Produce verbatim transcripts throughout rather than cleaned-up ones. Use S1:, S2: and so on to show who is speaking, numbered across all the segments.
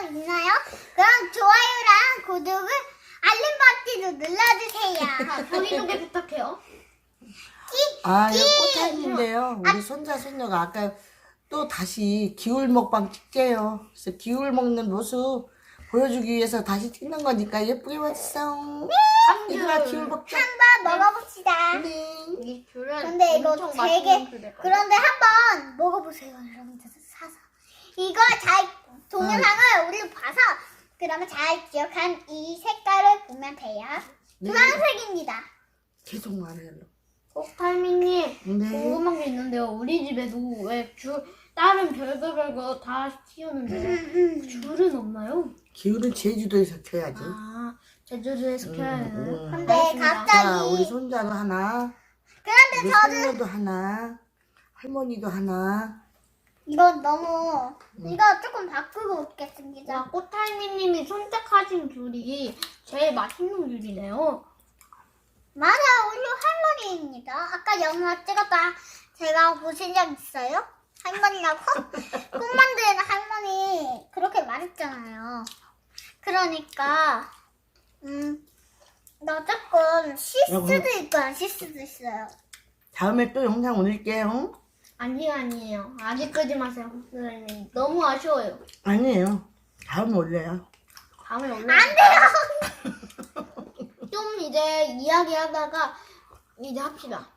S1: 있나요? 그럼 좋아요랑 구독을 알림 버튼도 눌러주세요.
S2: 본인에게 부탁해요.
S3: 아, 이거 꽃타임인데요. 우리 손자, 손녀가 아까 또 다시 기울 먹방 찍재요. 그래서 기울 먹는 모습 보여주기 위해서 다시 찍는 거니까 예쁘게 왔어. 얘들아, 기울 먹자.
S1: 한번 먹어봅시다.
S3: 네.
S2: 이 귤은
S1: 근데 이거
S2: 엄청
S1: 되게
S2: 맛있는 귤일 거예요.
S1: 그런데 한번 먹어보세요, 여러분들 사서. 이거 잘 동영상을 우리 봐서 그러면 잘 기억한 이 색깔을 보면 돼요.
S3: 네.
S1: 주황색입니다.
S3: 계속 말해요.
S2: 꽃타이밍님
S3: 네.
S2: 궁금한 게 있는데요. 우리 집에도 왜 귤, 다른 별거 별거 다 키우는데 귤은 없나요?
S3: 기울은 제주도에서 켜야지.
S2: 아, 제주도에서 켜야 되나요?
S3: 음.
S1: 근데
S2: 알겠습니다.
S1: 갑자기
S3: 자, 우리 손자도 하나,
S1: 그런데
S3: 우리
S1: 저는
S3: 손녀도 하나, 할머니도 하나.
S1: 이건 너무 이거 조금 바꾸고 먹겠습니다.
S2: 와, 꽃타이밍님이 선택하신 귤이 제일 맛있는 귤이네요.
S1: 맞아요, 우리 할머니입니다. 아까 영화 찍었다 제가 보신 적 있어요? 할머니라고? 꽃 만드는 할머니 그렇게 말했잖아요. 그러니까 음, 나 조금 실수도 있고 안 실수도 있어요.
S3: 다음에 또 영상 올릴게요.
S2: 아니요, 아니에요. 아직 끄지 마세요, 선생님. 너무 아쉬워요.
S3: 아니에요. 다음에 올려요.
S2: 다음에 올려.
S1: 안 돼요.
S2: 좀 이제 이야기하다가 이제 합시다.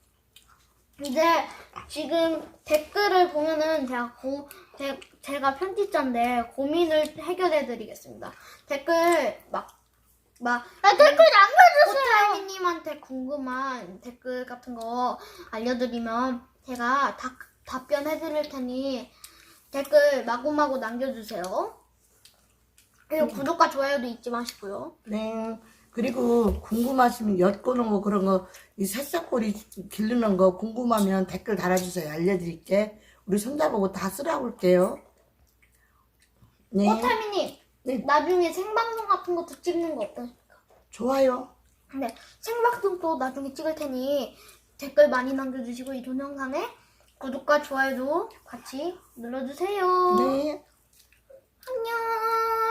S2: 이제 지금 댓글을 보면은 제가 고, 제, 제가 편집자인데 고민을 해결해 드리겠습니다. 댓글 막, 막,
S1: 아, 댓글 남겨주세요.
S2: 코타이님한테 궁금한 댓글 같은 거 알려드리면 제가 다, 답변해 드릴 테니 댓글 마구마구 남겨주세요. 그리고 구독과 좋아요도 잊지 마시고요.
S3: 네. 그리고 궁금하시면 엿보는 거 그런 거, 이 새싹꼬리 기르는 거 궁금하면 댓글 달아주세요. 알려드릴게. 우리 손자보고 다 쓰라고 할게요. 네.
S2: 코타이님,
S3: 네.
S2: 나중에 생방송 같은 것도 찍는 거 어떠십니까?
S3: 좋아요.
S2: 네, 생방송도 나중에 찍을 테니 댓글 많이 남겨주시고 이 동영상에 구독과 좋아요도 같이 눌러주세요.
S3: 네.
S2: 안녕.